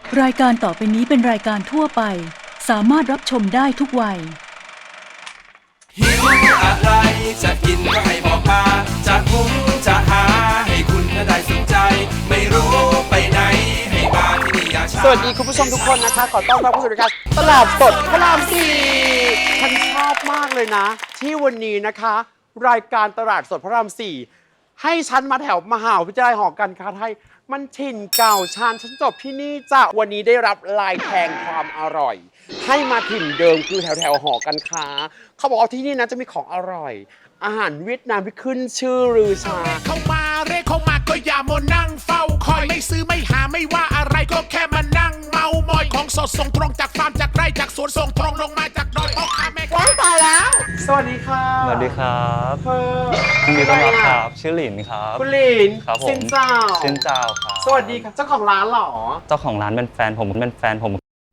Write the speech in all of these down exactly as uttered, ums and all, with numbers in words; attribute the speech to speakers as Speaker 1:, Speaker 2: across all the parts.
Speaker 1: รายการต่อไปนี้เป็นรายการทั่วไปสามารถรับชมได้ทุกวัย
Speaker 2: หิวอะไรจะกินก็ให้บอกมาจะหุงจะหาให้คุณได้สนใจไม่รู้ไปไหนให้มาที่นี่อย่าช้า
Speaker 3: สวัสดีคุณผู้ชมทุกคนนะคะขอต้อนรับเข้าสู่รายการตลาดสดพระรามสี่ฉันชอบมากเลยนะ ที่วันนี้นะคะ รายการตลาดสดพระรามสี่ให้ฉันมาแถวมหาวิทยาลัยหอการค้าไทยมันถิ่นเก่าชานฉันจบที่นี่จ้ะวันนี้ได้รับลายแทงความอร่อย ให้มาถิ่นเดิมคือแถวแถวหอการค้าเขาบอกว่าที่นี่นะจะมีของอร่อย อาหารเวียดนามที่ขึ้นชื่อลือชา
Speaker 4: เข้ามาเรียกเข้ามาก็อย่ามัวนั่งเฝ้าคอยไม่ซื้อไม่หาไม่ว่าอะไรก็แค่มานั่งเมามอยของสดส่งตรงจากฟาร์มจากไร่จากสวนส่งตรงลงมาจากดอยพ่อค้าแม่ค้า
Speaker 3: ตายแล้วสวัสดีค่ะ
Speaker 5: สวัสดีครับ
Speaker 3: เธอ
Speaker 5: ยินดีต้อนรับครับชื่อหลินครับ
Speaker 3: คุณหลิน
Speaker 5: ครับผม
Speaker 3: ซินเจ้า
Speaker 5: ซินเจ้าครับ
Speaker 3: สวัสดีครับเจ้าของร้านเหรอ
Speaker 5: เจ้าของร้านเป็นแฟนผมเป็นแฟนผม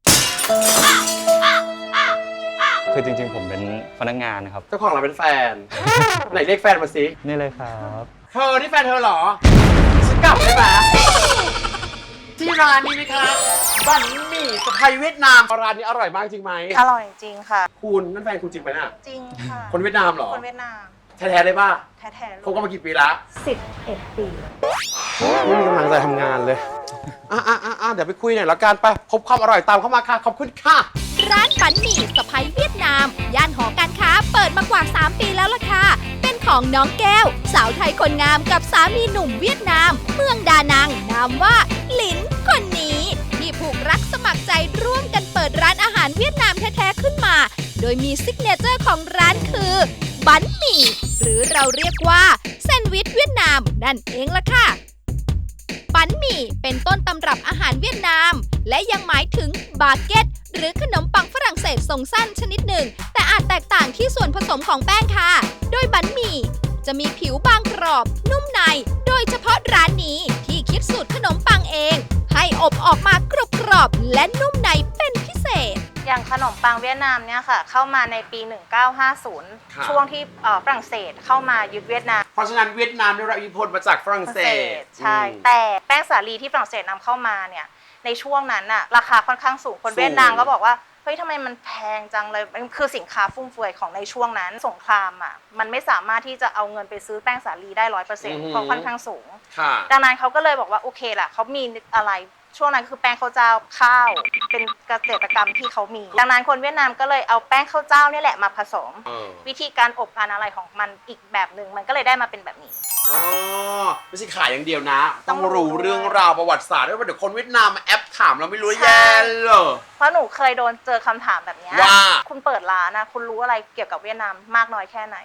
Speaker 5: คือจริงๆผมเป็นพนักงานนะครับ
Speaker 3: เจ้าของร้านเป็นแฟน ไหนเรียกแฟนมาสิ
Speaker 5: นี่เลยครับ
Speaker 3: เธอนี่แฟนเธอเหรอฉันกลับได้ไหมที่ร้านนี้นะคะบั่นหมี่สะพายเวียดนามร้านนี้อร่อยมากจริงไหม
Speaker 6: อร่อยจริงค่ะ
Speaker 3: คุณนั่นแฟนคุณจริงไหมน่ะ
Speaker 6: จริงค่ะ
Speaker 3: คนเวียดนามเหรอ
Speaker 6: คนเวียดนาม
Speaker 3: แท้ๆได้ป่ะ
Speaker 6: แท้ๆ
Speaker 3: คบกันมากี่ปีละ
Speaker 6: สิบเอ็ดปี
Speaker 3: ไม่มีกำลังใจทำงานเลยอ่ะอ่ะอ่ะเดี๋ยวไปคุยหน่อยแล้วกันไปพบความอร่อยตามเข้ามาค่ะขอบคุณค่ะ
Speaker 7: ร้านปันหมี่สะพ้ายเวียดนามย่านหอการค้าเปิดมากว่าสามปีแล้วล่ะค่ะเป็นของน้องแก้วสาวไทยคนงามกับสามีหนุ่มเวียดนามเมืองดานังนามว่าหลินคนนี้ที่ผูกรักสมัครใจร่วมกันเปิดร้านอาหารเวียดนามแท้ๆขึ้นมาโดยมีซิกเนเจอร์ของร้านคือบันหมี่หรือเราเรียกว่าแซนด์วิชเวียดนามนั่นเองล่ะค่ะบันหมี่เป็นต้นตำรับอาหารเวียดนามและยังหมายถึงบาเก็ตหรือขนมปังฝรั่งเศสทรงสั้นชนิดหนึ่งแต่อาจแตกต่างที่ส่วนผสมของแป้งค่ะโดยบันหมี่จะมีผิวบางกรอบนุ่มในโดยเฉพาะร้านนี้ที่คิดสูตรขนมปังเองให้อบออกมากรุบกรอบและนุ่มในเป็นพิเศษ
Speaker 6: อย่างขนมปังเวียดนามเนี่ยค่ะเข้ามาในปีหนึ่งเก้าห้าศูนย์ช่วงที่ฝรั่งเศสเข้ามายึดเวียดนาม
Speaker 3: เพราะฉะนั้นเวียดนามได้รับอิทธิพลมาจากฝรั่งเศส
Speaker 6: ใช่แต่แป้งสาลีที่ฝรั่งเศสนำเข้ามาเนี่ยในช่วงนั้นน่ะราคาค่อนข้างสูงคนเวียดนามก็บอกว่าเฮ้ยทำไมมันแพงจังเลยมันคือสินค้าฟุ่มเฟือยของในช่วงนั้นสงครามอ่ะมันไม่สามารถที่จะเอาเงินไปซื้อแป้งสาลีได้ร้อยเปอร์เซ็นต์เพราะค่อนข้างสูงดังนั้นเขาก็เลยบอกว่าโอเคแหละเขามีอะไรช่วงนั้นคือแป้งข้าวเจ้าข้าวเป็นเกษตรกรรมที่เขามีดังนั้นคนเวียดนามก็เลยเอาแป้งข้าวเจ้านี่แหละมาผสมวิธีการอบการอะไรของมันอีกแบบหนึ่งมันก็เลยได้มาเป็นแบบนี้
Speaker 3: อ๋อไม่ใช่ขายอย่างเดียวนะต้องรู้เรื่องราวประวัติศาสตร์ด้วยว่าเดี๋ยวคนเวียดนามมาแอปถามเราไม่รู้แย่เลย
Speaker 6: เพราะหนูเคยโดนเจอคำถามแบบนี้
Speaker 3: ว่า
Speaker 6: คุณเปิดร้านนะคุณรู้อะไรเกี่ยวกับเวียดนามมากน้อยแค่ไหน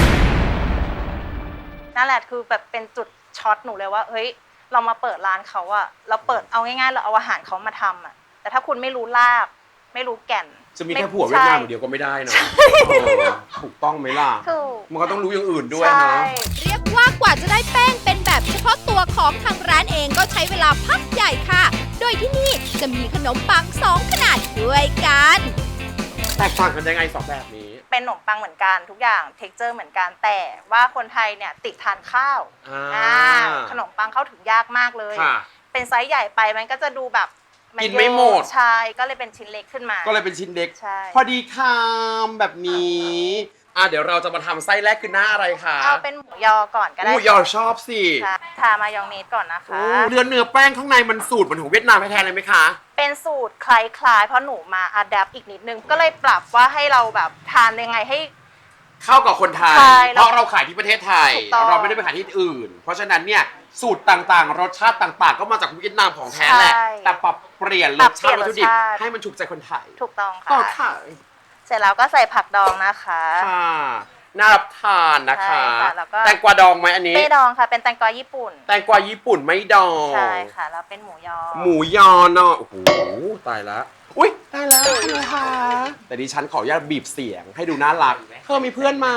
Speaker 6: นั่นแหละคือแบบเป็นจุดช็อตหนูเลยว่าเฮ้ยเรามาเปิดร้านเขาอะเราเปิดเอาง่ายๆเราเอาอาหารเขามาทำอะแต่ถ้าคุณไม่รู้รากไม่รู้แก่น
Speaker 3: จะมีแค่ผัวเวียดนามเดียวก็ไม่ได้นะถูกต้องไหมล่ะมันก็ต้องรู้อย่างอื่นด้วยนะ
Speaker 7: เรียกว่ากว่าจะได้แป้งเป็นแบบเฉพาะตัวของทางร้านเองก็ใช้เวลาพักใหญ่ค่ะโดยที่นี่จะมีขนมปังสองขนาดด้วยกัน
Speaker 3: แตกต่างกันยังไงสองแบบนี้
Speaker 6: เป็นขนมปังเหมือนกันทุกอย่างเท็กเจอร์เหมือนกันแต่ว่าคนไทยเนี่ยติดทานข้าวขนมปังเข้าถึงยากมากเลยเป็นไซส์ใหญ่ไปมันก็จะดูแบบ
Speaker 3: กินไม่หมด
Speaker 6: ใช่ก็เลยเป็นชิ้นเล็กขึ้นมา
Speaker 3: ก็เลยเป็นชิ้นเล็กพอดีคำแบบนี้อ่ะเดี๋ยวเราจะมาทำไส้แรกคือหน้าอะไรคะ
Speaker 6: เอาเป็นหมูยอก่อนก็ได้
Speaker 3: หมูยอชอบสิ
Speaker 6: ทามายองเนสก่อนนะคะ
Speaker 3: เนื้อเนื้อแป้งข้างในมันสูตรเหมือนของเวียดนามแท้ๆเลยไหมคะ
Speaker 6: เป็นสูตรคล้ายๆเพราะหนูมาอัดแอปอีกนิดนึงก็เลยปรับว่าให้เราแบบทานยังไงให้
Speaker 3: เข้ากับคนไทยเพราะเราขายที่ประเทศไทยเราไม่ได้ไปขายที่อื่นเพราะฉะนั้นเนี่ยสูตรต่างๆรสชาติต่างๆก็มาจากเวียดนามของแท้แหละแต่ปรับเปลี่ยนรสชาติวัตถุดิบให้มันถูกใจคนไทย
Speaker 6: ถูกต้องค่ะเสร็จแล้วก็ใส่ผักดองนะคะ
Speaker 3: ค่ะน่ารับทานนะคะแตงกวาดองไหมอันนี้
Speaker 6: ไม่ดองค่ะเป็นแตงกวาญี่ปุ่น
Speaker 3: แตงกวาญี่ปุ่นไม่ดอง
Speaker 6: ใช่ค่ะแล้วเป็นหมูยอ
Speaker 3: หมูยอเนาะโอ้โหตายละอุ้ยตายแล้วนะคะแต่ดิฉันขออนุญาตบีบเสียงให้ดูน่ารักเธอมีเพื่อนไหม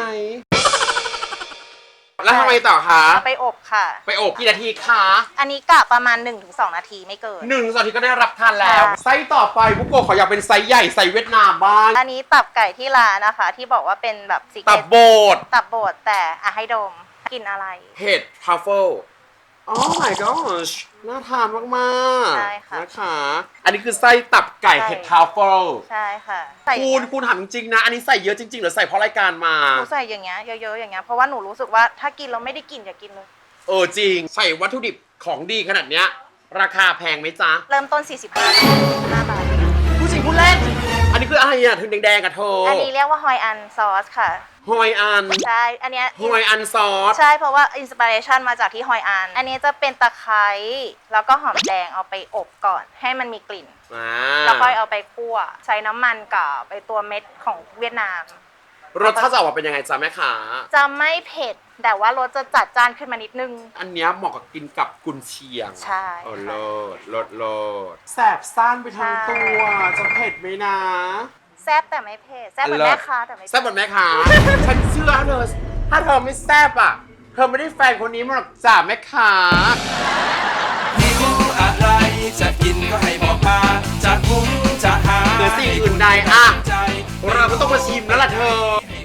Speaker 3: แล้วทำไมต่อคะ
Speaker 6: ไปอบค่ะ
Speaker 3: ไปอบกี่นาทีคะ
Speaker 6: อันนี้กะประมาณ หนึ่งถึงสอง นาทีไม่เกิน
Speaker 3: หนึ่งถึงสองนาทีก็ได้รับทานแล้วไซส์ต่อไปบุกโกะขออยากเป็นไซส์ใหญ่ไซส์เวียดนามบ้าง
Speaker 6: อันนี้ตับไก่ที่ร้านนะคะที่บอกว่าเป็นแบบ
Speaker 3: ตับโบด
Speaker 6: ตับโบดแต่อ่ะให้ดมกินอะไร
Speaker 3: เห็ดทรัฟเฟิล Oh my gosh น่าทานมากๆ
Speaker 6: ใช่ค่ะ
Speaker 3: นะคะ อันนี้คือไส้ตับไก่
Speaker 6: ใช่
Speaker 3: เห็ดทรัฟเฟิล
Speaker 6: ใช่ค่ะใส่
Speaker 3: คุณคุณถามจริงๆนะ อันนี้ใส่เยอะจริงๆหรือใส่เพราะรายการมา
Speaker 6: หนูใส่อย่างเงี้ยเยอะๆอย่างเงี้ยเพราะว่าหนูรู้สึกว่าถ้ากินเราไม่ได้กินอย่ากินเลย
Speaker 3: เออจริง ใส่วัตถุดิบของดีขนาดเนี้ยราคาแพงไหมจ๊ะ
Speaker 6: เริ่มต้น สี่สิบห้า บาท
Speaker 3: ผู้จริงผู้เล่น อันนี้คืออะไรอ่ะถึงแดงๆกับเธอ
Speaker 6: อั
Speaker 3: อั
Speaker 6: นนี้เรียกว่าฮอยอันซอสค่ะ
Speaker 3: ฮอยอัน
Speaker 6: ใช่ อันเนี้ย
Speaker 3: ฮอยอันซอส
Speaker 6: ใช่เพราะว่าอินสปิเรชันมาจากที่ฮอยอัน อันนี้จะเป็นตะไคร้แล้วก็หอมแดงเอาไปอบก่อน ให้มันมีกลิ่น
Speaker 3: อ่า
Speaker 6: แล้วค่อยเอาไปคั่ว ใช้น้ำมันกับไอตัวเม็ดของเวียดนาม
Speaker 3: รสชาติจะออกมาเป็นยังไงจ๊ะแม่ขา
Speaker 6: จะไม่เผ็ด แต่ว่ารสจะจัดจ้านขึ้นมานิดนึง
Speaker 3: อันเนี้ยเหมาะกับกินกับกุนเชียง
Speaker 6: ใช่
Speaker 3: เออ
Speaker 6: ค่ะ
Speaker 3: เลิศเลิศเลิศแสบซ่านไปทั้งตัว จะเผ็ดไหมนะ
Speaker 6: แซ่บแต่ไม่เผ็ด แซ่บเหมือนแม่ค้าแต่ไม่
Speaker 3: แซ่บเหมือนแม่ค้า ฉันเชื่อเธอ ถ้าเธอไม่แซ่บอ่ะ เธอไม่ได้แฟนคนนี้มาหรอกจ้าแม่ค้า
Speaker 2: หิวอะไรจะกินก็ให้บอกมาจะหุงจะหา
Speaker 3: เหนือสิ่งอื่นใดอ่ะ
Speaker 2: ใจ
Speaker 3: เราก็ต้องมาชิมแล้วล่ะเธอ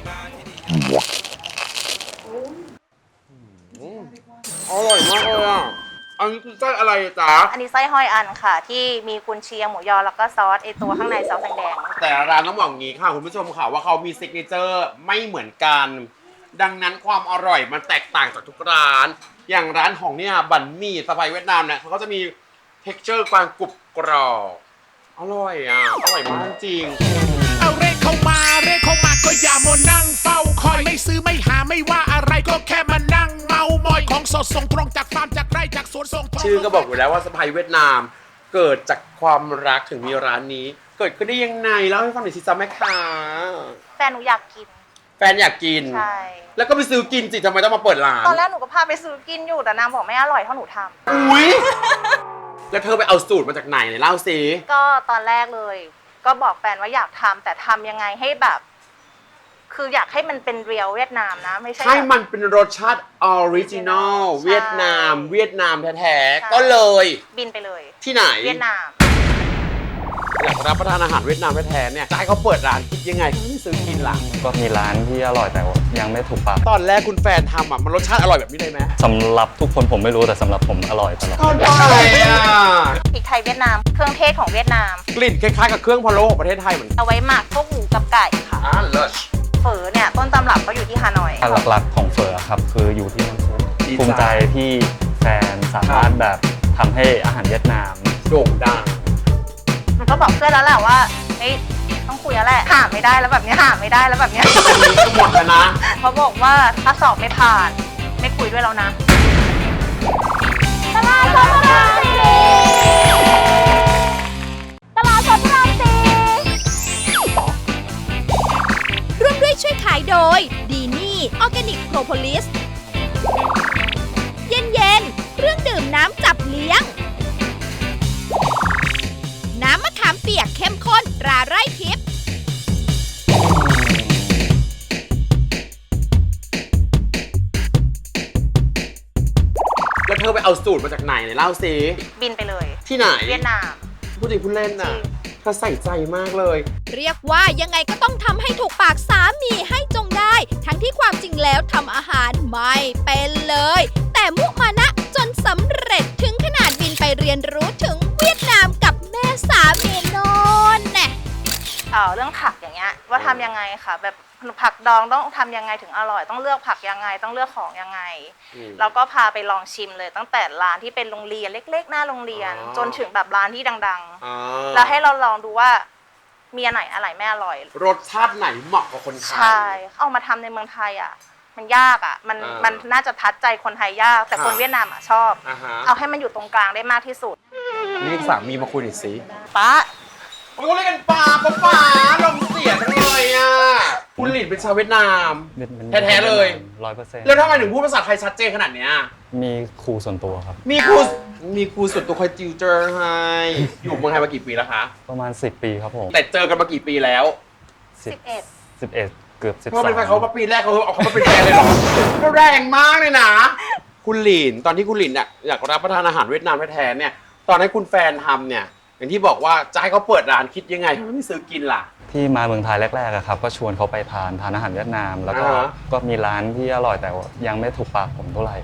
Speaker 3: อร่อยมากเลยอ่ะ อันนี้คือไส้อะไรจ๊ะ
Speaker 6: อันนี้ไส้ฮอยอันค่ะ ที่มีกุนเชียงหมูยอแล้วก็ซอสไอตัวข้างในซอสแดง
Speaker 3: แต่ละร้านต้องบอกอย่างนี้ค่ะคุณผู้ชมค่ะว่าเขามีซิกเนเจอร์ไม่เหมือนกัน ดังนั้นความอร่อยมันแตกต่างจากทุกร้าน อย่างร้านของเนี่ยบั่นหมี่สไปเวียดนามเนี่ยเขาก็จะมีเท็กเจอร์ความกรุบกรอบอร่อยอ่ะ อร่อยมากจริง
Speaker 4: เอาเรขเข้ามาเรขเข้ามาก็อย่ามัวนั่งเฝ้าคอยไม่ซื้อไม่หาไม่ว่าอะไรก็แค่มานั่งเมามอยของสดส่งตรงจากฟาร์มจากไร่จากสวนส่งตรง
Speaker 3: ชื่อก็บอกอยู่แล้วว่าสไปเวียดนาม เกิดจากความรักถึงมีร้านนี้ เกิดขึ้นได้ยังไงเล่าให้ฟังหน่อยสิจ๊ะแม่ค้า
Speaker 6: ๆแฟนหนูอยากกิน
Speaker 3: แฟนอยากกิน
Speaker 6: ใช่
Speaker 3: แล้วก็ไปซื้อกินสิทำไมต้องมาเปิดร้าน
Speaker 6: ตอนแรกหนูก็พาไปซื้อกินอยู่แต่นางบอกไม่อร่อยเท่าหนูทำ
Speaker 3: อุ้ย แล้วเธอไปเอาสูตรมาจากไหนเนี่ยเล่าสิ
Speaker 6: ก็ตอนแรกเลย ก็บอกแฟนว่าอยากทำแต่ทำยังไงให้แบบ คืออยากให้มันเป็นเรียลเวียดนามนะ ไม่ใช่
Speaker 3: ให้
Speaker 6: แบบ
Speaker 3: มันเป็นรสชาติออริจินอล
Speaker 6: ใช่
Speaker 3: เวียดนาม เวียดนามแท้
Speaker 6: ใช่
Speaker 3: ๆ ก็เลย
Speaker 6: บินไปเลย
Speaker 3: ที่ไหน
Speaker 6: เวียดนาม
Speaker 3: อยากรับประทานอาหารเวียดนามแท้ๆเนี่ยจะให้เขาเปิดร้านคิดยังไงเขาไม่ซื้อกินล่ะ
Speaker 5: ก็มีร้านที่อร่อยแต่ว่ายังไม่ถูกปาก
Speaker 3: ตอนแรกคุณแฟนทำอ่ะมันรสชาติอร่อยแบบนี้เลยไหม
Speaker 5: สำหรับทุกคนผมไม่รู้แต่สำหรับผมอร่อยตลอด
Speaker 3: ก่อนไปอ่ะ
Speaker 6: พริกไทยเวียดนาม เครื่องเทศของเวียดนาม
Speaker 3: กลิ่นคล้ายๆกับเครื่องพะโล้ของประเทศไทยเหมือนกัน
Speaker 6: เอาไว้หมักพวกหมูกับไก่ค่ะ
Speaker 3: อ่าเลิศ
Speaker 6: เฝอเนี่ยต้นตำรับก็อยู่ที่ฮานอย
Speaker 5: อันหลักๆของเฟอร์ครับคืออยู่ที่น้ำซุป
Speaker 3: ดีจ้ะ
Speaker 5: ภูมิใจที่แฟนสามารถแบบทำให้อาหารเวียดนาม
Speaker 3: โด่งดัง
Speaker 6: มันก็บอกเพื่อนแล้วแหละว่าเฮ้ยต้องคุยแล้วแหละหาไม่ได้แล้วแบบเนี้ยหาไม่ได้แล้วแบบเนี้ย
Speaker 3: อันนี้ก็หมดแล้วนะ
Speaker 6: เขาบอกว่าถ้าสอบไม่ผ่าน ไม่คุยด้วยแล้วนะตลาดสดพระรามสี่ตลาดสดพระรามสี่
Speaker 7: ร่วมด้วยช่วยขายโดยดีนี่ออร์แกนิกโพรโพลิส เย็นเย็นๆเครื่องดื่มน้ำจับเลี้ยง น้ำมะขามเปียกเข้มข้นตราไร่ทิพย์
Speaker 3: แล้วเธอไปเอาสูตรมาจากไหนเนี่ยเล่าสิ
Speaker 6: บินไปเลย
Speaker 3: ที่ไหน
Speaker 6: เวียดนาม
Speaker 3: พูดจริงพูดเล่นน่ะ
Speaker 6: จริง
Speaker 3: เธอใส่ใจมากเลย
Speaker 7: เรียกว่ายังไงก็ต้องทำให้ถูกปากสามีให้จงได้ ทั้งที่ความจริงแล้วทำอาหารไม่เป็นเลย แต่มุมานะจนสำเร็จถึงขนาดบินไปเรียนรู้ถึงเวียดนามกับแม่สามีโนนแน่
Speaker 6: เอ่อเรื่องผักอย่างเงี้ยว่าทำยังไงค่ะแบบผักดองต้องทำยังไงถึงอร่อย ต้องเลือกผักยังไงต้องเลือกของยังไง
Speaker 3: อืม
Speaker 6: แล้วก็พาไปลองชิมเลยตั้งแต่ร้านที่เป็นโรงเรียนเล็กๆ หน้าโรงเรียน
Speaker 3: อ๋อ
Speaker 6: จนถึงแบบร้านที่ดัง
Speaker 3: อ่า
Speaker 6: ๆ แล้วให้เราลองดูว่ามีอันไหนอะไรไม่อร่อย
Speaker 3: รสชาติไหนเหมาะกับคนไทย
Speaker 6: ใช่เอามาทำในเมืองไทยอ่ะ มันยากอ่ะ มัน
Speaker 3: อ่ามั
Speaker 6: มันน่าจะทัดใจคนไทยยาก แต่คน
Speaker 3: ค่ะ
Speaker 6: เวียดนามอ่ะชอบ
Speaker 3: อ่าฮะ
Speaker 6: เอาให้มันอยู่ตรงกลางได้มากที่สุด
Speaker 3: เรียกสามีมาคุยหน่อยสิ
Speaker 6: ป้า
Speaker 3: มันก็เรียกกันป่าป้าป่าลมเสียจังเลยอ่ะ คุณหลินเป็นชาวเวียดนาม แท้ๆเลย
Speaker 5: ร้อยเปอร์เซ็นต์
Speaker 3: แล้วทำไมถึงพูดภาษาไทยชัดเจนขนาดเนี้ย
Speaker 5: มีครูส่วนตัวครับ
Speaker 3: มีครูมีครูส่วนตัวคอยติวเตอร์ให้ อยู่เมืองไทยมากี่ปีแล้วคะ
Speaker 5: ประมาณสิบปีครับผม
Speaker 3: แต่เจอกันมากี่ปีแล้ว
Speaker 6: สิบเอ็ด
Speaker 5: สิบเอ็ดเกือบสิบ
Speaker 3: เพราะ
Speaker 5: สา
Speaker 3: เป็น
Speaker 5: ม
Speaker 3: แฟนเขามาปีแรกเขาเอาเขามาเป็นแฟนเลยเหรอก็แรงมากเลยนะ คุณหลินตอนที่คุณหลินเนี่ยอยากรับประทานอาหารเวียดนามแท้ๆเนี่ย ตอนให้คุณแฟนทำเนี่ย อย่างที่บอกว่าจะให้เขาเปิดร้านคิดยังไงทำไมไม่ซื้อกินล่ะ
Speaker 5: ที่มาเมืองไทยแรกๆอะครับก็ชวนเขาไปทานทานอาหารเวียดนาม แล้วก็
Speaker 3: อ่าฮะ
Speaker 5: ก็มีร้านที่อร่อยแต่ว่ายังไม่ถูกปากผมเท่าไหร่
Speaker 3: พ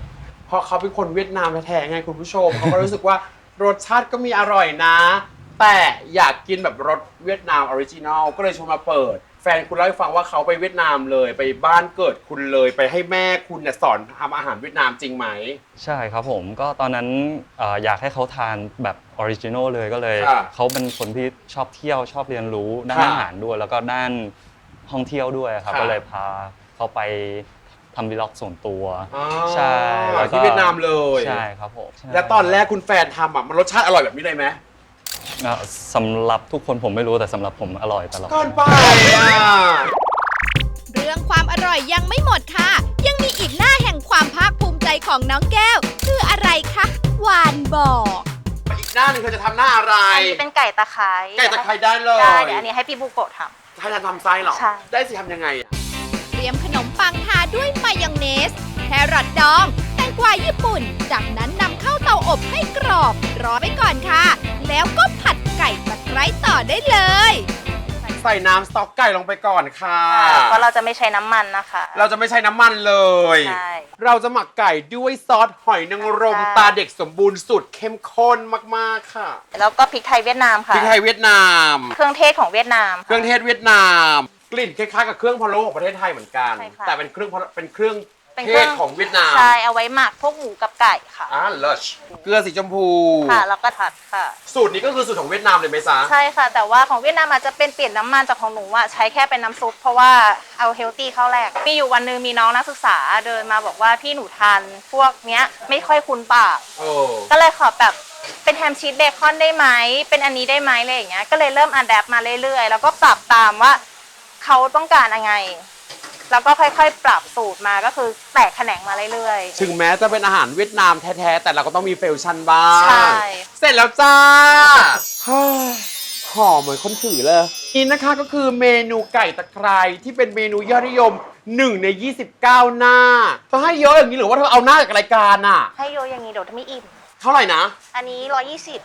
Speaker 3: เพราะเขาเป็นคนเวียดนามแท้ๆไงคุณผู้ชม เขาก็รู้สึกว่ารสชาติก็มีอร่อยนะ แต่อยากกินแบบรสเวียดนามออริจินอลก็เลยชวนมาเปิด แฟนคุณเล่าให้ฟังว่าเขาไปเวียดนามเลยไปบ้านเกิดคุณเลยไปให้แม่คุณเนี่ยสอนทำอาหารเวียดนามจริงไหม
Speaker 5: ใช่ครับผมก็ตอนนั้นเอ่ออยากให้เขาทานแบบออริจินอลเลยก็เลย
Speaker 3: ค่ะ
Speaker 5: เขาเป็นคนที่ชอบเที่ยวชอบเรียนรู้ด้าน
Speaker 3: ค่ะ
Speaker 5: อาหารด้วย แล้วก็ด้านท่องเที่ยวด้วยครับ
Speaker 3: ค่ะ
Speaker 5: ก็เลยพาเขาไปทำวีล็อกส่วนตัว
Speaker 3: อ๋อ
Speaker 5: ใช่แล้วก็
Speaker 3: ที่เวียดนามเลย
Speaker 5: ใช่ครับผมใช่
Speaker 3: แล้วตอนแรกคุณแฟนทำอ่ะมันรสชาติอร่อยแบบนี้เลยไหม
Speaker 5: เอ่อสำหรับทุกคนผมไม่รู้แต่สำหรับผมอร่อยตลอด
Speaker 3: ก่อนไปอ่ะ
Speaker 7: เรื่องความอร่อยยังไม่หมดค่ะ ยังมีอีกหน้าแห่งความภาคภูมิใจของน้องแก้ว คืออะไรคะหวานบอก
Speaker 3: อีกหน้าหนึ่งเธอจะทำหน้าอะไร
Speaker 6: อันนี้เป็นไก่ตะไคร้
Speaker 3: ไก่ตะไคร้ได้เลย
Speaker 6: ได้เดี๋ยวอันนี้ให้พี่บุโกะท
Speaker 3: ถ้าจะทำไส้เหรอ
Speaker 6: ใช่
Speaker 3: ได้สิทำยังไงอ่ะ
Speaker 7: เตรียมขนมปังทาด้วยมายองเนส แครอทดอง แตงกวาญี่ปุ่น จากนั้นนำเข้าเตาอบให้กรอบ รอไว้ก่อนค่ะ แล้วก็ผัดไก่ตะไคร้ต่อได้เลย
Speaker 3: ใส่น้ำสต๊อกไก่ลงไปก่อนค่ะ
Speaker 6: ำเพราะเราจะไม่ใช้น้ำมันนะคะ
Speaker 3: เราจะไม่ใช้น้ำมันเลย
Speaker 6: ใช่
Speaker 3: เราจะหมักไก่ด้วยซอสหอยนางรม
Speaker 6: ใช่
Speaker 3: ตาเด็กสมบูรณ์สุดเข้มข้นมากๆค่ะ
Speaker 6: แล้วก็พริกไทยเวียดนาม
Speaker 3: พ
Speaker 6: ค่ะ
Speaker 3: ริกไทยเวียดนาม
Speaker 6: เครื่องเทศของเวียดนาม
Speaker 3: เครื่องเทศเวียดนาม กลิ่นคล้ายๆกับเครื่องพะโล้ของประเทศไทยเหมือนกัน
Speaker 6: ใช่ค่ะ
Speaker 3: แต่เป็นเครื่องพะโล้เป็นเครื่อง
Speaker 6: เป็น
Speaker 3: เท
Speaker 6: เครื่
Speaker 3: ศของเวียดนาม
Speaker 6: ใช่เอาไว้หมักพวกหมูกับไก่ค่ะ
Speaker 3: อ่าเลิศเกลือสีชมพู
Speaker 6: ค่ะแล้วก็ผัดค่ะ
Speaker 3: สูตรนี้ก็คือสูตรของเวียดนามเลยไหมจ๊ะ
Speaker 6: ใช่ค่ะ แต่ว่าของเวียดนามอาจจะเป็นเปลี่ยนน้ำมันจากของหนูอะใช้แค่เป็นน้ำซุปเพราะว่าเอาเฮลตี้เข้าแรกมีอยู่วันหนึงมีน้องนักศึกษาเดินมาบอกว่าพี่หนูทานพวกเนี้ยไม่ค่อยคุ้นปาก
Speaker 3: โอ้
Speaker 6: ก็เลยขอแบบเป็นแฮมชีสเบคอนได้ไหมเป็นอันนี้ได้ไหมอะไรอย่างเงี้ยก็เลยเริ่มอัดแอปมาเรื่อยๆแล้วก็ปรับตามว่าเขาต้องการยังไงแล้วก็ค่อยๆ ปรับสูตรมาก็คือแตกแขนงมาเรื่อยๆ
Speaker 3: ถึงแม้จะเป็นอาหารเวียดนามแท้ๆแต่เราก็ต้องมีเฟลชั่นบ้าง
Speaker 6: ใช่
Speaker 3: เสร็จแล้วจ้าเฮ้ยหอมเหมือนคนถือเลยนี่นะคะก็คือเมนูไก่ตะไคร้ที่เป็นเมนูยอดนิยมหนึ่งในยี่สิบเก้าหน้าเธอให้เยอะอย่างนี้หรือว่าเธอเอาหน้าจากรายการอ่ะ
Speaker 6: ให้โยอย่างนี้เดี๋ยวจะไม่อิ่ม
Speaker 3: เท่าไหร่นะ
Speaker 6: อันนี้ร้อยยี่สิบ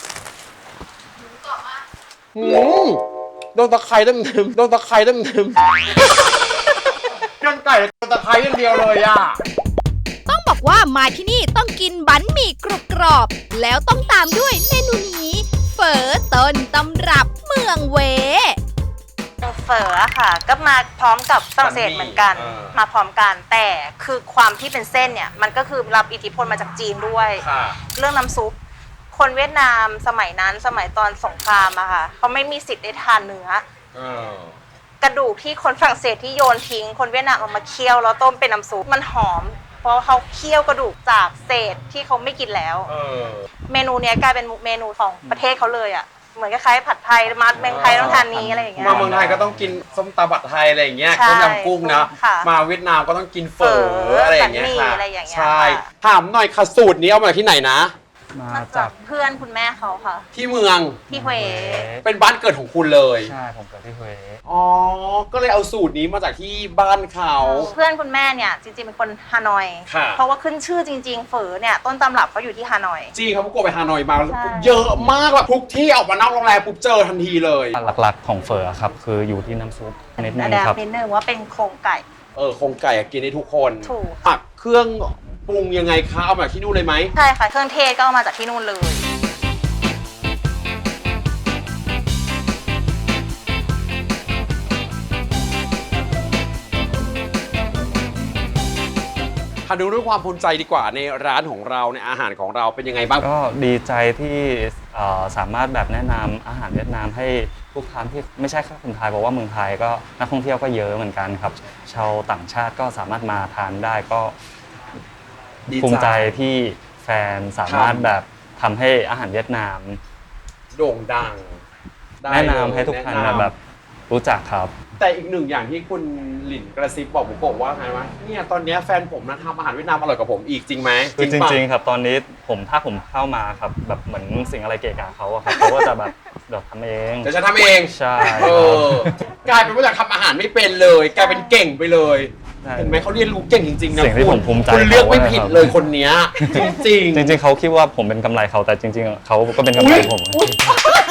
Speaker 3: หืมโดนตะไคร้เต็มๆโดนตะไคร้เต็มๆโดนไก่โดนตะไคร้อย่างเดียวเลยอ่ะ
Speaker 7: ต้องบอกว่ามาที่นี่ต้องกินบั๋นหมี่กรุบกรอบ แล้วต้องตามด้วยเมนูนี้ เฝอต้นตำรับเมืองเว
Speaker 6: เฝอค่ะ ก็มาพร้อมกับฝรั่งเศสเหมือนกัน
Speaker 3: เออ
Speaker 6: มาพร้อมกันแต่คือความที่เป็นเส้นเนี่ยมันก็คือรับอิทธิพลมาจากจีนด้วย
Speaker 3: ค่ะ
Speaker 6: เรื่องน้ำซุปคนเวียดนามสมัยนั้นสมัยตอนสงครามอะค่ะเขาไม่มีสิทธิ์ได้ทานเนื้อ
Speaker 3: เออ
Speaker 6: กระดูกที่คนฝรั่งเศสที่โยนทิ้ง คนเวียดนามเอามาเคี่ยวแล้วต้มเป็นน้ำซุปมันหอม เพราะเขาเคี่ยวกระดูกจากเศษที่เขาไม่กินแล้ว
Speaker 3: เออ
Speaker 6: เมนูเนี้ยกลายเป็นเมนูของประเทศเขาเลยอะเหมือนคล้ายๆผัดไทยมัดเมืองไทยต้องทานนี้อะไรอย่างเงี้ย
Speaker 3: มาเมืองไทยก็ต้องกินส้มตำบัดไทยอะไรอย่างเงี้ย
Speaker 6: ใช่
Speaker 3: ต้มยำกุ้งนะ
Speaker 6: ค่ะ
Speaker 3: มาเวียดนามก็ต้องกินเฝอ
Speaker 6: เฝอ
Speaker 3: อะไรอย่างเงี้ย
Speaker 6: แบบนี้
Speaker 3: ค่ะ
Speaker 6: อะไรอย่างเงี้ย
Speaker 3: ใช่
Speaker 6: ค่ะ
Speaker 3: ถามหน่อยค่ะสูตรนี้เอามาจากที่ไหนนะ
Speaker 5: มา
Speaker 6: มา
Speaker 5: จา
Speaker 6: จาก กเพื่อนคุณแม่เขาค่ะ
Speaker 3: ที่เมือง
Speaker 6: ที่เฮว
Speaker 3: เป็นบ้านเกิดของคุณเลย
Speaker 5: ใช่ผมเกิดที่เฮ
Speaker 3: อ๋อ ก็เลยเอาสูตรนี้มาจากที่บ้านเขา
Speaker 6: เพื่อนคุณแม่เนี่ยจริงๆเป็นคนฮานอย
Speaker 3: ค่ะ
Speaker 6: เพราะว่าขึ้นชื่อจริง ๆ เฝอเนี่ยต้นตำรับเขาอยู่ที่ฮานอย
Speaker 3: จริงครับพวกโกไปฮานอยมา
Speaker 6: ใช่
Speaker 3: เยอะมากแบบทุกที่ออกมานอกโรงแรมปุ๊บเจอทันทีเลย
Speaker 5: หลักๆของเฟอร์ครับคืออยู่ที่น้ำซุปนิดนึ
Speaker 6: อั
Speaker 5: ง
Speaker 6: นดับ
Speaker 5: ครับ
Speaker 6: นิดนึงว่าเป็นโครงไก่
Speaker 3: เออโครงไก่อะกินได้ทุกคน
Speaker 6: ถูก
Speaker 3: ปักเครื่องปรุงยังไงคะเอามาจากที่นู่นเลยไหม
Speaker 6: ใช่ค่ะ เครื่องเทศก็เอามาจากที่นู่นเลย
Speaker 3: ถ้าดูด้วยความภูมิใจดีกว่าในร้านของเราในอาหารของเราเป็นยังไงบ้าง
Speaker 5: ก็ดีใจที่เอ่อสามารถแบบแนะนำอาหารเวียดนามให้ลูกค้าที่ไม่ใช่แค่คนไทยเพราะว่าเมืองไทยก็นักท่องเที่ยวก็เยอะเหมือนกันครับ ชาวต่างชาติก็สามารถมาทานได้ก็
Speaker 3: ดีใจ
Speaker 5: ภูมิใจที่แฟนสามารถ
Speaker 3: ทำ
Speaker 5: แบบทำให้อาหารเวียดนาม
Speaker 3: โด่งดังได้
Speaker 5: แนะนำ
Speaker 3: เลย
Speaker 5: ให้ทุกท่าน
Speaker 3: แะำ
Speaker 5: แบบรู้จักครับ
Speaker 3: แต่อีกหนึ่งอย่างที่คุณหลินกระซิบบอกผมบอกว่าไงวะเนี่ยตอนเนี้ยแฟนผมนะทำอาหารเวียดนามอร่อยกว่าผมอีกจริงไหม
Speaker 5: คือจ
Speaker 3: ปะ
Speaker 5: ริงๆครับตอนนี้ผมถ้าผมเข้ามาครับแบบเหมือนสิ่งอะไรเกะกะเขาอะครับเขาก็จะแบบเดี๋ยวทำเอง
Speaker 3: เดี๋ยวฉันทำเอง
Speaker 5: ใช่
Speaker 3: เออกลายเป็นว่าอยากทำอาหารไม่เป็นเลยกลายเป็นเก่งไปเลย
Speaker 5: ใช่
Speaker 3: เห็นไหมเขาเรียนรู้เก่งจริงๆนะ
Speaker 5: สิ่งที่
Speaker 3: คุ
Speaker 5: ผ
Speaker 3: ณ
Speaker 5: มภูมิใจ
Speaker 3: คุณเลือกไม่
Speaker 5: เขา
Speaker 3: ผิด
Speaker 5: นะครับ
Speaker 3: เลยคนเนี้ยจริง
Speaker 5: จริงๆเขาคิดว่าผมเป็นกำไรเขาแต่จริงๆเขาก็เป็นกำไรผม
Speaker 3: อุ๊ย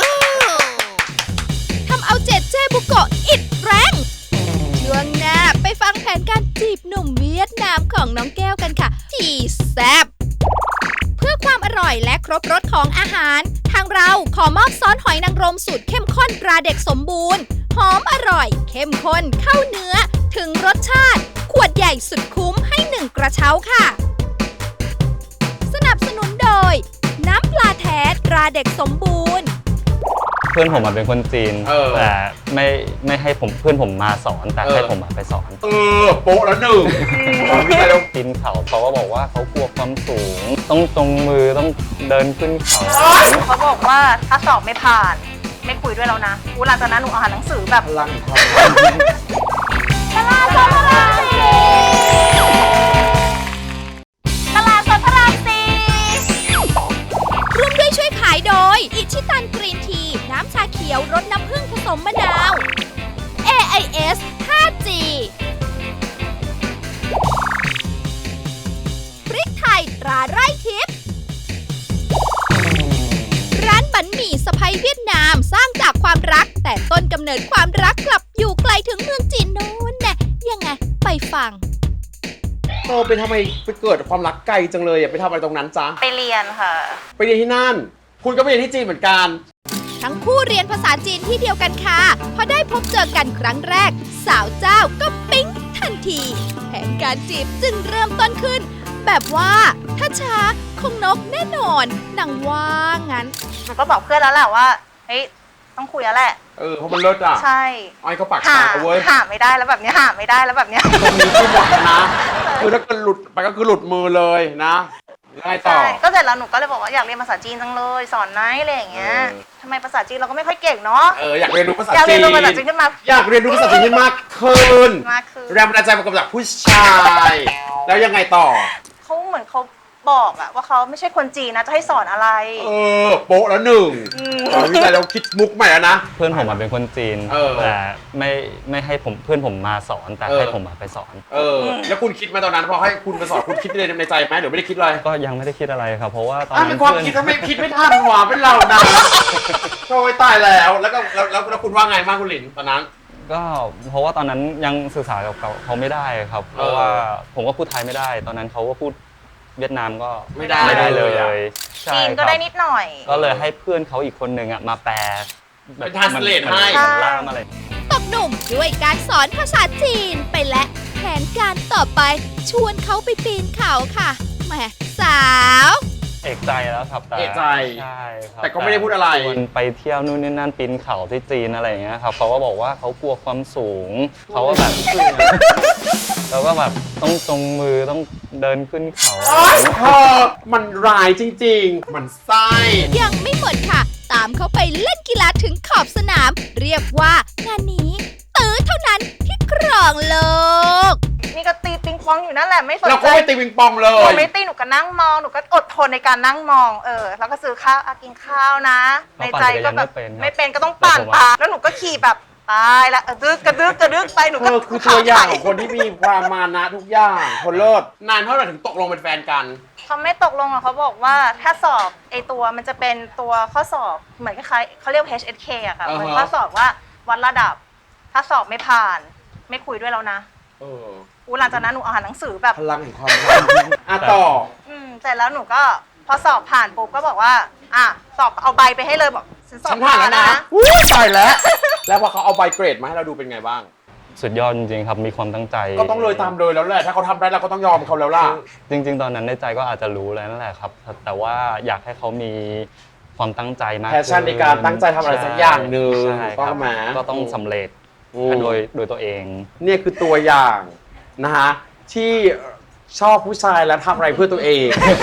Speaker 7: ทำเอาเจเจบุโกะอิดแรง ช่วงหน้าไปฟังแผนการจีบหนุ่มเวียดนามามของน้องแก้วกันค่ะที่แซ่บเพื่อความอร่อยและครบรสของอาหารทางเราขอมอบซอสหอยนางรมสูตรเข้มข้นตราเด็กสมบูรณ์หอมอร่อยเข้มข้นเข้าเนื้อถึงรสชาติขวดใหญ่สุดคุ้มให้หนึ่งกระเช้าค่ะสนับสนุนโดยน้ำปลาแท้ตราเด็กสมบูรณ์
Speaker 5: เพื่อนผมเป็นคนจีน
Speaker 3: เออ
Speaker 5: แต่ไม่ไม่ให้ผมเพื่อนผมมาสอนแต่
Speaker 3: เออ
Speaker 5: ให้ผมมาไปสอน
Speaker 3: เออโป๊ะแล้วหนึ่งวิจัยแล้ว
Speaker 5: ปีนเขาเขาก็บอกว่าเขากลัวความสูง ต้องตรงมือต้องเดินขึ้นเขา
Speaker 6: เขาบอกว่าถ้าสอบไม่ผ่าน ไม่คุยด้วยแล้วนะอูหลังจากนั้นหนูอ่านหนังสือแบบ
Speaker 3: พลังความ
Speaker 6: ตลาดสดพระรามสี่ตลาดสดพระรามสี่
Speaker 7: ร่วมด้วยช่วยขายโดยอิชิตันกรีนทีน้ำชาเขียวรสน้ำผึ้งผสมมะนาว เอ ไอ เอส ห้าจี พริกไทยตราไร่ทิพย์ร้านบั๋นหมี่สะใภ้เวียดนามสร้างจากความรักแต่ต้นกำเนิดความรักกลับอยู่ไกลถึงเมืองจีนโน้นแน่ยังไงไปฟัง
Speaker 3: โตไปทำไมไปเกิดความรักไกลจังเลยอะไปทำอะไรตรงนั้นจ๊ะ
Speaker 6: ไปเรียนค่ะ
Speaker 3: ไปเรียนที่นั่น คุณก็ไปเรียนที่จีนเหมือนกัน
Speaker 7: ทั้งคู่เรียนภาษาจีนที่เดียวกันค่ะพอได้พบเจอกันครั้งแรก สาวเจ้าก็ปิ๊งทันที แผนการจีบจึงเริ่มต้นขึ้น แบบว่าถ้าช้าคงนกแน่นอนนางว่างั้น
Speaker 6: หนูก็บอกเพื่อนแล้วแหละว่า เฮ้ย ต้องคุยแล้วแหละ
Speaker 3: เออเพราะมันเลิศอ่ะ
Speaker 6: ใช่
Speaker 3: ไอ้เขาปาก
Speaker 6: หา
Speaker 3: ตาเว้ย
Speaker 6: หาไม่ได้แล้วแบบเนี้ยหาไม่ได้แล้วแบบเนี้ย
Speaker 3: ตรงนี้ที่บอกนะคือถ้าเกิดหลุดไปก็คือหลุดมือเลยนะแล้วไงต่อ
Speaker 6: ใช่ ก็เสร็จแล้วหนูก็เลยบอกว่าอยากเรียนภาษาจีนจังเลย สอนไหนอะไรอย่างเงี้ย
Speaker 3: เออ
Speaker 6: ทำไมภาษาจีนเราก็ไม่ค่อยเก่งเนาะ
Speaker 3: เอออยากเรียนรู้ภาษา
Speaker 6: อยาก
Speaker 3: จี
Speaker 6: เรียน
Speaker 3: น
Speaker 6: รู้ภาษาจีนขึ้นมา
Speaker 3: อยากเรียนรู้ภาษาจีนให้มากขึ้น
Speaker 6: มากขึ้น
Speaker 3: แรงบันดาลใจมาจากผู้ชาย แล้วยังไงต่อ
Speaker 6: เขาเหมือนเขาบอกอะว่าเขาไม่ใช่คนจีนนะจะให้สอนอะไร
Speaker 3: เออโป๊ะแล้วหนึ่ง
Speaker 6: อืม
Speaker 3: ตอนวิจัยเราคิดมุกใหม่แล้วนะ
Speaker 5: เพื่อนผมเป็นคนจีน
Speaker 3: เออ
Speaker 5: แต่ไม่ไม่ให้ผมเพื่อนผมมาสอนแต่
Speaker 3: เออ
Speaker 5: ให้ผมมาไปสอน
Speaker 3: เออ แล้วคุณคิดไหมาตอนนั้นพอให้คุณไปสอนคุณคิดเลยในใจไหมหรือไม่ได้คิดอะไร
Speaker 5: ก็ยังไม่ได้คิดอะไรครับ เพราะว่าตอน
Speaker 3: อ่ะ
Speaker 5: นั้
Speaker 3: เป็น นความ
Speaker 5: เพื่อน
Speaker 3: คิดถ้าไม่คิดไม่ทันหว่าเป็นเรานะโอ้ยตายแล้วแล้วก็แล้วแล้วแล้วคุณว่าไงบ้างคุณหลินตอนนั้น
Speaker 5: ก็เพราะว่าตอนนั้นยังสื่อสารกับเขาเขาไม่ได้ครับ เพราะว่าผมก็พูดไทยไม่ได้ ตอนนั้นเขาก็พูดเวียดนามก็
Speaker 3: ไม่ได้
Speaker 5: ไม่ได้เล
Speaker 3: เลยอะ
Speaker 5: ยใช่
Speaker 6: จีน
Speaker 5: ค
Speaker 6: ก็
Speaker 5: รับ
Speaker 6: ได้นิดหน่อย
Speaker 5: ก็เลยให้เพื่อนเขาอีกคนหนึ่งอ่ะมาแปล
Speaker 3: เป็น translate
Speaker 5: เหมือน
Speaker 3: ให้
Speaker 5: เหมือนล่ามอะไร
Speaker 7: ตกหนุ่มด้วยการสอนภาษาจีนไปและแผนการต่อไปชวนเขาไปปีนเขาค่ะแหมสาว
Speaker 5: เอกใจแล้วครับแต่
Speaker 3: เอกใจ
Speaker 5: ใช่ครับ
Speaker 3: แต่ก็ไม่ได้พูดอะไร
Speaker 5: ชวนไปเที่ยวนู่นนี่นั่นปีนเขาที่จีนอะไรอย่างเงี้ยครับเขาก็บอกว่าเขากลัวความสูงเขาก็แบบแล้วก็แบบต้องตรงมือต้องเดินขึ้นเขา
Speaker 3: โอ๊ยเธอมันร้ายจริงๆ มันไส้
Speaker 7: ยังไม่หมดค่ะ ตามเขาไปเล่นกีฬาถึงขอบสนาม เรียกว่างานนี้ตื้อเท่านั้นที่ครองโลก
Speaker 6: นี่ก็ตีปิงปองอยู่นั่นแหละไม่สน
Speaker 3: เรา
Speaker 6: ใจ
Speaker 3: ก็ไม่ตีวิงปองเล
Speaker 6: หนู
Speaker 3: ย
Speaker 6: ไม่ตีหนูก็นั่งมองหนูก็อดทนในการนั่งมองเออแล้วก็ซื้อข้าวอ่ะกินข้าวนะ ในใจก็แบบไม่เป็นก็ต้องปั่นตามแล้วหนูก็ขี่แบบตายละเออดึกกระดึกกระดึกไปหนู
Speaker 3: เธ
Speaker 6: ก็
Speaker 3: อคือตัวอย่างของคนที่มีความมานะทุกอย่างคนเลิศนานเท่าไหร่ถึงตกลงเป็นแฟนกัน
Speaker 6: เขาไม่ตกลงอ่ะเขาบอกว่าถ้าสอบไอตัวมันจะเป็นตัวข้อสอบเหมือนคล้ายๆเขาเรียก เอช เอส เค อะค่ะ
Speaker 3: อ่าฮะ
Speaker 6: เหมือนข้อสอบว่าวัดระดับ ถ้าสอบไม่ผ่าน ไม่คุยด้วยแล้วนะ
Speaker 3: เออ
Speaker 6: อูหลังจากนั้นหนูอ่านหนังสือแบบ
Speaker 3: พลังแห่งความรักอ่ะต่อ
Speaker 6: อืมเสร็จแล้วหนูก็พอสอบผ่านปุ๊บก็บอกว่าอ่ะสอบเอาใบไปให้เลยบอกฉันสอบ
Speaker 3: ฉันผ่านแล้วนะอู้ตายแล้ว แล้วพอเขาเอาใบเกรดมาให้เราดูเป็นไงบ้าง
Speaker 5: สุดยอดจริงๆครับมีความตั้งใจ
Speaker 3: ก็ต้องเลยตามเลยแล้วแหละ ถ้าเขาทำได้เราก็ต้องยอมเขาแล้วล่ะ
Speaker 5: จริงๆ ตอนนั้นในใจก็อาจจะรู้แล้วนั่นแหละครับ แต่ว่าอยากให้เขามีความตั้งใจมาก
Speaker 3: แพชชั่นในการตั้งใจทำอะไรสักอย่างหนึ่ง
Speaker 5: ใช่
Speaker 3: ต้
Speaker 5: ค
Speaker 3: อง
Speaker 5: รับ
Speaker 3: มา
Speaker 5: ก็ต้องสำเร็จ
Speaker 3: อืม
Speaker 5: โดยโดยตัวเอง
Speaker 3: เนี่ยคือตัวอย่างนะฮะที่ชอบผู้ชายและทำอะไรเพื่อตัวเอง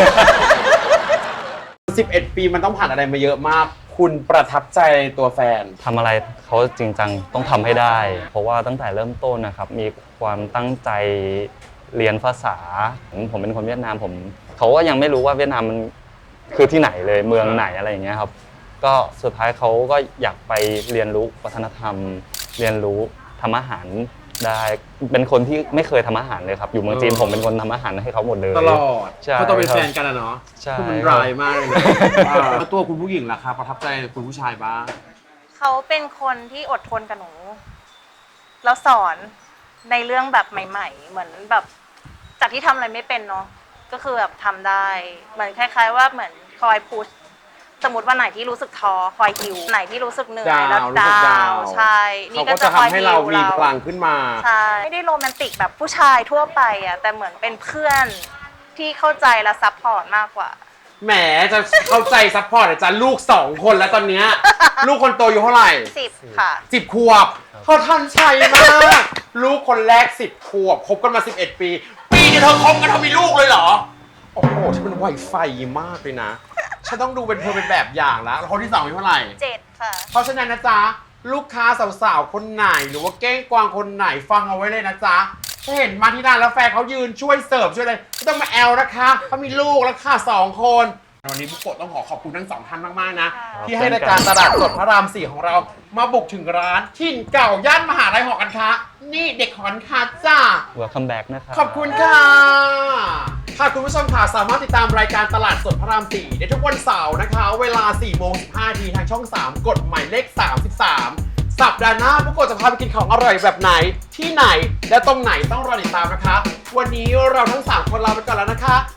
Speaker 3: สิบเอ็ด ปีมันต้องผ่านอะไรมาเยอะมาก คุณประทับใจตัวแฟน
Speaker 5: ทำอะไรเขาจริงจังต้องทำให้ได้ เพราะว่าตั้งแต่เริ่มต้นนะครับมีความตั้งใจเรียนภาษา ผมเป็นคนเวียดนามผมเขาก็ยังไม่รู้ว่าเวียดนามมันคือที่ไหนเลยเมืองไหนอะไรอย่างเงี้ยครับก็สุดท้ายเขาก็อยากไปเรียนรู้วัฒนธรรม เรียนรู้ทำอาหารได้เป็นคนที่ไม่เคยทำอาหารเลยครับอยู่เมืองจีน
Speaker 3: เออ
Speaker 5: ผมเป็นคนทำอาหารให้เขาหมดเลย
Speaker 3: ตลอด
Speaker 5: ใช่
Speaker 3: เขาต้องเป็นแฟนกันอะเนาะ
Speaker 5: ใช่
Speaker 3: คือมันร้ายมากเลยนะแล้วตัวคุณผู้หญิงล่ะครับประทับใจคุณผู้ชายบ้าง
Speaker 6: เขาเป็นคนที่อดทนกับหนูแล้วสอนในเรื่องแบบใหม่ ๆ เหมือนแบบจากที่ทำอะไรไม่เป็นเนาะก็คือแบบทำได้เหมือนคล้ายๆว่าเหมือนคอยพุชสมมติวันไหนที่รู้สึกท้อคอยฮิวไหนที่รู้สึกเหนื่อยแล้ว
Speaker 3: ดาวรู้สึกดาว
Speaker 6: ใช่นี่
Speaker 3: เขา
Speaker 6: ก็
Speaker 3: ก็
Speaker 6: จะ
Speaker 3: จะ
Speaker 6: คอย
Speaker 3: ทำให้
Speaker 6: ฮิ
Speaker 3: เรา
Speaker 6: ว
Speaker 3: มี
Speaker 6: เรา
Speaker 3: พลังขึ้นมา
Speaker 6: ใช่ไม่ได้โรแมนติกแบบผู้ชายทั่วไปอ่ะแต่เหมือนเป็นเพื่อนที่เข้าใจและซัพพอร์ตมากกว่า
Speaker 3: แหมจะเข้าใจซัพพอร์ตอาจารย์ลูกสองคนแล้วตอนเนี้ย ลูกคนโตอยู่เท่าไหร่
Speaker 6: สิบค่ะ
Speaker 3: สิบขวบเขาทันชัยมาก ลูกคนแรกสิบขวบคบกันมาสิบเอ็ดปี ปีเดียวเธอคบกันเธอมีลูกเลยเหรอ โอ้โหฉันเป็นไวไฟมากเลยนะ ฉันต้องดูเป็นเธอเป็นแบบอย่างแล้วแล้วคนที่สองอายุเท่าไหร่
Speaker 6: เจ็ดค่ะ
Speaker 3: เพราะฉะนั้นนะจ๊ะ ลูกค้าสาวๆ คนไหนหรือว่าเก้งกวางคนไหนฟังเอาไว้เลยนะจ๊ะ ถ้าเห็นมาที่ร้านแล้วแฟนเขายืนช่วยเสิร์ฟช่วยอะไรไม่ต้องมาแอลนะคะเขามีลูกแล้วค่ะสองคน วันนี้บุกโกะต้องขอขอบคุณทั้งสองท่านมากๆนะ ที่ให้รายการตลาดสดพระรามสี่ของเรามาบุกถึงร้านถิ่นเก่าย่านมหาลัยหอการค้านี่เด็กหอการค้าจ้า
Speaker 5: Welcome back นะครับ
Speaker 3: ขอบคุณค่ะค่ะคุณผู้ชมค่ะสามารถติดตามรายการตลาดสดพระรามสี่ได้ทุกวันเสาร์นะคะ เวลาสี่โมงสิบห้านาทีทางช่องสามกดหมายเลขสามสิบสามสัปดาห์หน้าบุกโกะจะพาไปกินของอร่อยแบบไหนที่ไหนและตรงไหนต้องรอติดตามนะคะ วันนี้เราทั้งสามคนลาไปก่อนแล้วนะคะ